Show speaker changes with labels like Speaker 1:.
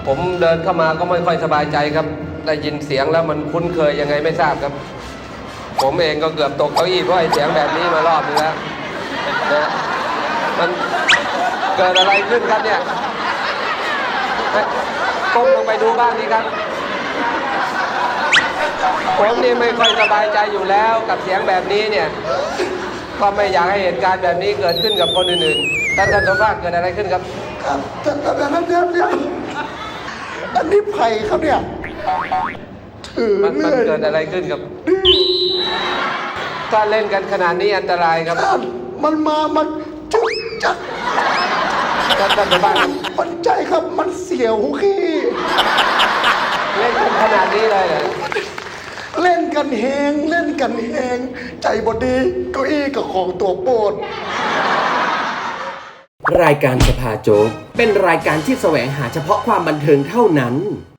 Speaker 1: ผมเดินเข้ามาก็ไม่ค่อยสบายใจครับได้ยินเสียงแล้วมันคุ้นเคยยังไงไม่ทราบครับผมเองก็เกือบตกเก้าอี้เพราะไอ้เสียงแบบนี้มารอบนึงแล้วนะมันเกิดอะไรขึ้นครับเนี่ยก้มลงไปดูบ้างดีครับผมนี่ไม่ค่อยสบายใจอยู่แล้วกับเสียงแบบนี้เนี่ยก็ไม่อยากให้เหตุการณ์แบบนี้เกิดขึ้นกับคนอื่นๆท่านสมภาคเกิดอะไรขึ้นครับ
Speaker 2: ครับแต่นั้นเนี่ยอันนี้ไผ่ครับเนี่ยถือ
Speaker 1: มันเกิดอะไรขึ้นครับถ้าเล่นกันขนาดนี้อันตรายครับ
Speaker 2: มันจุกจัก
Speaker 1: ท่านสมภาค
Speaker 2: มันใจครับมันเสียวขี้
Speaker 1: เล่นกันขนาดนี้เลยเหรอ
Speaker 2: เล่นกันแหงใจบดีเก้าอี้กับของตัวโปรด
Speaker 3: รายการสภาโจ๊กเป็นรายการที่แสวงหาเฉพาะความบันเทิงเท่านั้น